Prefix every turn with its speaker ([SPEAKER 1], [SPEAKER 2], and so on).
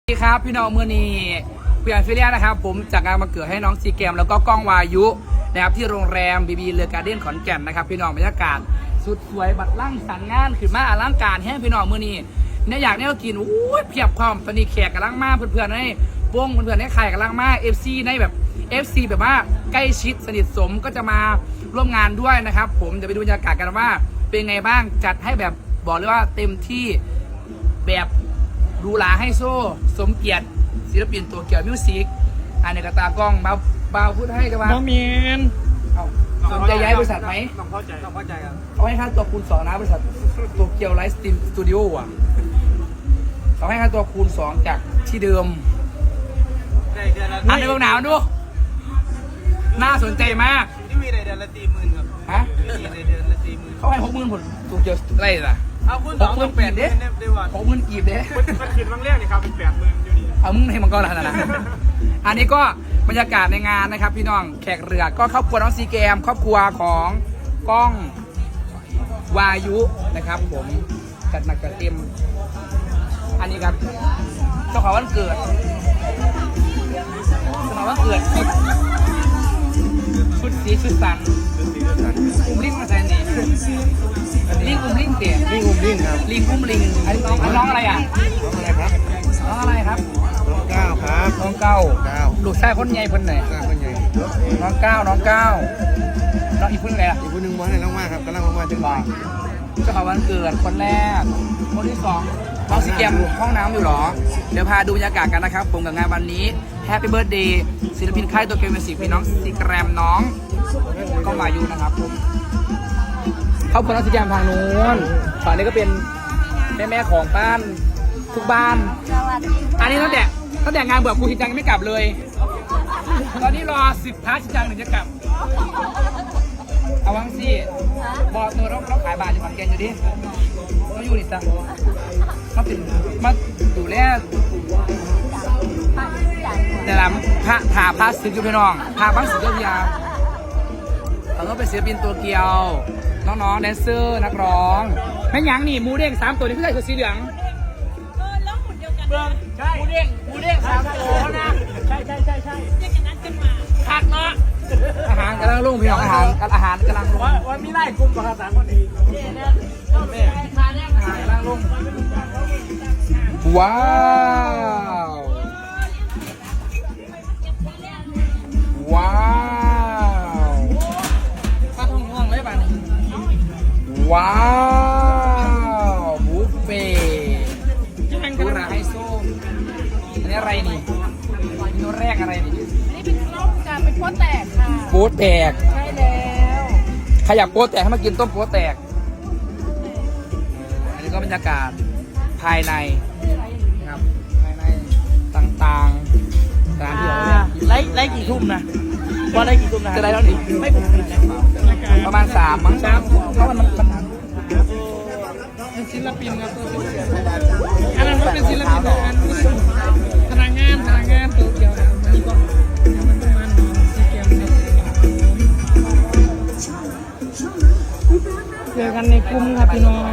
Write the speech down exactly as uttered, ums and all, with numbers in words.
[SPEAKER 1] สวัสดีครับพี่น้องมือนีเพื่อนฟิเลียนะครับผมจากงานมาเกิดให้น้องซีเกมแล้วก็ก้องวายุนะครับที่โรงแรมบีบีเรือการ์เด้นขอนแก่นนะครับพี่น้องบรรยากาศสุดสวยบัดล่างสันงานขึ้นมาอลังการแห้งพี่น้องมือนีเนี่ยอยากเนี่ยกินอู้เพียบพร้อมตอนนี้แขกกำลังมาเพื่อนๆในวงเพื่อนๆในใครกำลังมาเอฟซีในแบบเอฟซีแบบว่าใกล้ชิดสนิทสมก็จะมาร่วมงานด้วยนะครับผมจะไปดูบรรยากาศกันว่าเป็นไงบ้างจัดให้แบบบอกเลยว่าเต็มที่แบบดูหลาให้โซ่สมเกียรติศิลปินตัวเกี่ยวมิวสิกอันนี้ก็ตากล้องเบาเบาพูดให้กันว่า
[SPEAKER 2] น้องเมียน
[SPEAKER 1] สนใจย้ายบริษัทไหม
[SPEAKER 2] ต้องเข้าใจต้องเข้าใจครับ
[SPEAKER 1] เขาให้ค่าตัวคูณสองนะบริษัทตัวเกี่ยวไลฟ์สตรีมสตูดิโออ่ะเขาให้ค่าตัวคูณสองจากที่เดิมอันในเบื้องหนาวดูน่าสนใจมาก
[SPEAKER 2] ที่มีในเดือนละสี่หมื่นครับ
[SPEAKER 1] ฮะ
[SPEAKER 2] มีในเดือนละสี่หมื่น
[SPEAKER 1] เขาให้หกหมื่นผลตัวเกี่ยวอะไรล่ะ
[SPEAKER 2] เอาคุณสองหมื่นแปดเด้
[SPEAKER 1] หกหมื่นกีบเด้
[SPEAKER 2] มันคิดบางเรื่องนี่ครับเป็นแปดหมื่นอยู่ดี
[SPEAKER 1] เอามึงให้มันก็แล้วนะอันนี้ก็บรรยากาศในงานนะครับพี่น้องแขกเรือก็ครอบครัวน้องซีเกมครอบครัวของก้องวายุนะครับผมจัดหนักจัดเต็มอันนี้ครับเจ้าของวันเกิดเจ้าของวันเกิดชุดสีชุดสันอุ้มลิงมาแทนนี่ลิงอุ้มลิงเตี๋ย
[SPEAKER 2] ลิงอุ้มลิงครับ
[SPEAKER 1] ลิงอุ้มลิงอันนี้น้องอันน้องอะไรอ่ะ
[SPEAKER 2] น้องอะไรครับ
[SPEAKER 1] น้องอะไรครับ
[SPEAKER 2] น้องก้าวครับ
[SPEAKER 1] น้องเก้า
[SPEAKER 2] เก้า
[SPEAKER 1] ลูกชายคนใหญ่คนไหน
[SPEAKER 2] คนใหญ่
[SPEAKER 1] น้องเก้าน้องเก้าน้องอีกคนไหนล่ะ
[SPEAKER 2] อีกคนหนึ่งวันไหนน้องมากครับกำลังมาจังหวะ
[SPEAKER 1] เจ้าของวันเกิดคนแรกคนที่สองน้องซีเกมห้องน้ำอยู่หรอเดี๋ยวพาดูบรรยากาศกันนะครับผมกับงานวันนี้แฮปปี้เบิร์ธเดย์ศิลปินค่ายตัวเกมมิวสิกพี่น้องซีแกรมน้องก็มาอยู่นะครับผมครอบครัวน้องซีแกรมทางนู้นฝั่งนี้ก็เป็นแม่แม่ของบ้านทุกบ้านอันนี้ตั้งแต่ตั้งแต่งานเบื่อครูชิจังไม่กลับเลยตอนนี้รอสิบพาชิจังหนึ่งจะกลับเอาวังสิบอกตัวเราเราขายบาทอยู่ขอนแก่นอยู่ดิเราอยู่นี่จ้ะมาเป็นมาดูแลแต่ละพระถาพระศิลป์พี่น้องพาบ้างศิลป์ยาเราก็เป็นศิลปินตัวเกียวน้องๆแดนเซอร์นักร้องแม่ยังนี่มูเด้งสามตัวนี้พี่ใส่ชุดสีเหลือง
[SPEAKER 3] เออแล้วหุ่นเดียวกัน
[SPEAKER 1] เบื้องใช่มูเด้งมูเด้งสามตัวนะใช่ใช่ใช่ใช่
[SPEAKER 3] เรียกกันนั้นกันมา
[SPEAKER 1] ขาดเนาะอาหารกำลังลุ่งพี่น้องอาหารอาหารกำลังลุ่ง
[SPEAKER 2] ว่าว่ามีไล่กลุ่มกับสามคนเอง
[SPEAKER 1] แม่อาหารกำลังลุ่งว้าวว้าวข้าท้องห้องเลยป่ะว้าวบุฟเฟ่ดูราไฮโซอันนี้อะไรนี่เมนูแรกอะไรนี่
[SPEAKER 3] นี่เป็นข้าวการเป็นโป๊แตกค่ะ
[SPEAKER 1] โป๊แตก
[SPEAKER 3] ใช่แล้ว
[SPEAKER 1] ใครอยากโป๊แตกให้มากินต้มโป๊แตกอันนี้ก็บรรยากาศภายในครับภายในต่างๆสถานที่เราเนี่ย
[SPEAKER 2] ไล่ไล่กี่ทุ่มนะว่าไล่กี่ทุ่มนะ
[SPEAKER 1] จะได้แล้วนี่
[SPEAKER 2] ไม่ผม
[SPEAKER 1] ประมาณสามมั้งสามเพราะมันมัน
[SPEAKER 2] เป็นศิลปินครับตัวเป็นอันนั้นเป็นศิลปินอันพนักงานพนักงานตัวเดียวมันก็มันประมาณสี่เกมเจอกันในกลุ่มครับพี่น้อง